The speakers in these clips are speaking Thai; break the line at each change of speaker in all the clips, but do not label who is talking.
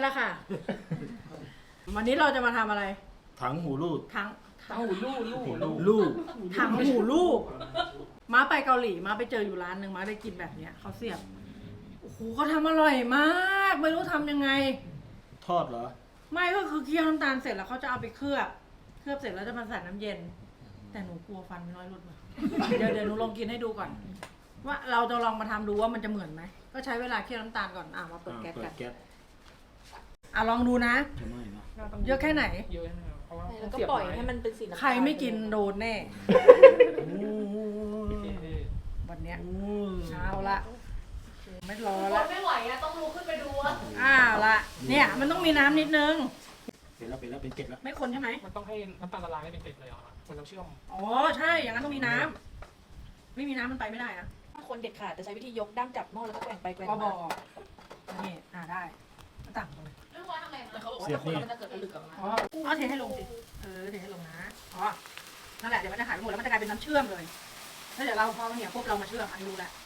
แล้วค่ะ วันนี้เราจะมาทำอะไร
ถังหูรูด
ถัง
เอาลูก
ลูก
ถังหูลูกม้าไปเกาหลีม้าไปเจออยู่ร้านหนึ่งม้าได้กินแบบเนี้ยเขาเสียบโอ้โหเขาทำอร่อยมากไม่รู้ทำยังไง
ทอดเหรอ
ไม่ก็คือเคี่ยวน้ำตาลเสร็จแล้วเขาจะเอาไปเคลือบเสร็จแล้วจะมาใส่น้ำเย็น แต่หนูกลัวฟันไม่น้อยหลุดมา เดี๋ยวหนูลองกินให้ดูก่อน ว่าเราจะลองมาทำดูว่ามันจะเหมือนไหมก็ใช้เวลาเคี่ยวน้ำตาลก่อนมาเปิดแก๊ส
เปิ
กั
ด
น
แก๊ส
ลองดูนะ
จะไหม้นะ
เยอะแค่ไหน
เยอะนะครับเพราะว่า
แล้วก็ปล่อยให้มันเป็นสีน้ำตาล
ใครไม่กินโดนแน่
โอ้ย
วันเนี้ย
โอ้ย
เอาละไม่รอ
ค
ละ
นไม่ไหวอะต้องลุกขึ้นไปดูอะ
ละเนี่ยมันต้องมีน้ำนิดนึง
เป็นแล้วเป็นเกล็ดแล้ว
ไม่คนใช่ไหม
มันต้องให้น้ำตาลละลายให้เป็นเกล็ดเลยเหรอมันจะเชื่อม
อ๋อใช่อย่างนั้นต้องมีน้ำไม่มีน้ำมันไปไม่ได้นะ
ถ้าคนเด็ดขาดจะใช้วิธียกดั้งจับหม้อแล้วก็แกว่งไปแกว่ง
ก็บ
มา
อกนี่ได้มันต่างกันเลย
แล้วเขาบอกว่าถ้าคนมันจะเกิดผลึกออกมา
อ๋อเทให้ลงสิเทให้ลงนะอ๋อนั่นแหละเดี๋ยวมันจะหายไปหมดแล้วมันจะกลายเป็นน้ำเชื่อมเลยแล้วเดี๋ยวเราพอมันเหนียวปุ๊บเรามาเชื่อมอันนี้รู้แล้ว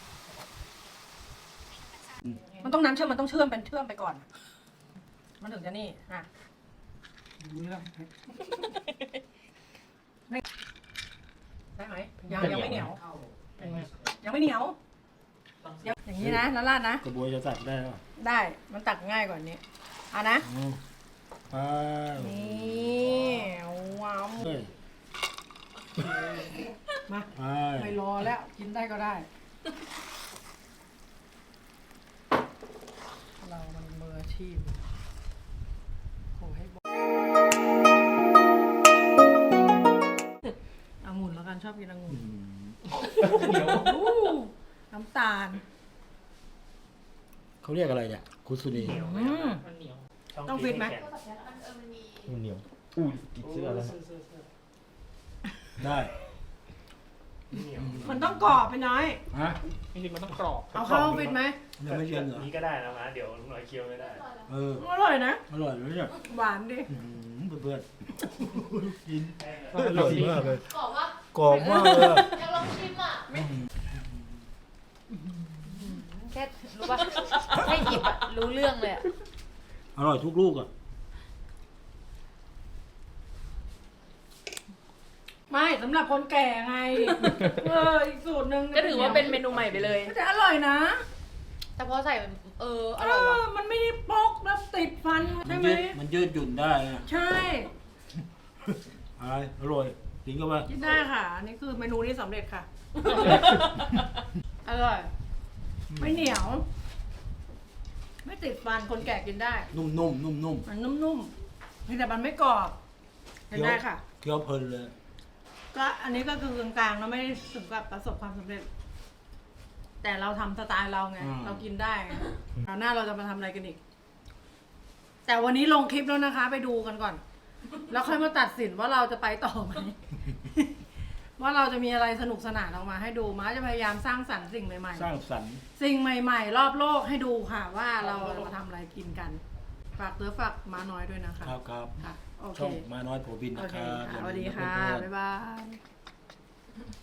มันต้องน้ำเชื่อมมันต้องเชื่อมเป็นเชื่อมไปก่อน มันถึงจะนี่ดูเรื่องได้ไหมยังไม่เหนียวยังไม่เหนียวอย่างนี้นะแล้วราดนะ
กระบวยจะตัดได้หรอ
ได้มันตักง่ายกว่านี้นะ
ไป
นี่ว้าว
เฮ้ย
มา
ไป
ไม่รอแล้วกินได้ก็ได้ เรามันมืออาชีพโอ้ให้บอกองุ่นแล้วกันชอบกินองุ่น
เหนียว
น้ำตาล
เขาเรียกอะไรเนี่ยคุซุนี
มันเหนียว
ต้องฟิตไหม
มันเหนียวอุ้ยติดเสื้อแล้วได้
เหนียว
มันต้องกรอบไปน้อย
ฮะ
จริงๆมันต้องกรอบ
เอาเข้าฟิตไหม
ยังไม่เย็นเหรอ
นี้ก็ได้นะมาเดี๋ยวลุงหน่อยเคี้ยวไม่ได้
อร่อยนะ
อร่อยเลยเนี่ย
หวานดิ
เพื่อนกิน
อร่อยมากเลย
กรอบว่าก
รอบมากเลย
อยากลองชิมอะแค่รู้ป่ะแค่หยิบอะรู้เรื่องเลยอะ
อร่อยทุกลูกอ่ะ
ไม่สำหรับคนแก่ไงอีกสูตรหนึ่ง
ก็ถือว่าเป็นเมนูใหม่ไปเลย
แต่อร่อยนะ
แต่พอใส่อร่อยว่ะ
มันไม่ได้ปกแล้วติดฟันใช่ไหม
มันยืดหยุ่นได้นะ
ใช่
อะไรอร่อยจริงก็ว่า
กินได้ค่ะ อันนี้คือเมนูนี้สำเร็จค่ะ อร่อย ไม่เหนียว ไม่ติดฟันคนแก่กินได้
นุ่มๆ
มันนุ่มๆเพียงแต่มันไม่กรอบกินได้ค่ะ
เคี้ยวเพลินเลย
ก็อันนี้ก็คือกลางๆเราไม่ได้ถึงกับประสบความสำเร็จ แต่เราทำสไตล์เราไง เรากินได้ไงคราวหน้าเราจะมาทำอะไรกันอีก แต่วันนี้ลงคลิปแล้วนะคะ ไปดูกันก่อน แล้วค่อยมาตัดสินว่าเราจะไปต่อไหม ว่าเราจะมีอะไรสนุกสนานออกมาให้ดูม้าจะพยายามสร้างสรรค์สิ่งใหม่
สร้างสรรค์
ๆ สิ่งใหม่ ๆ รอบโลกให้ดูค่ะ ว่าเราจะมาทำอะไรกินกัน ฝากฝากม้าน้อยด้วยนะคะ
ครับ
ค่ะ โอเค
ช่องมาน้อยโผบิน
โอ
นะ
เค
ครับ
ค่ะสวัสดีค่ะ บ๊ายบาย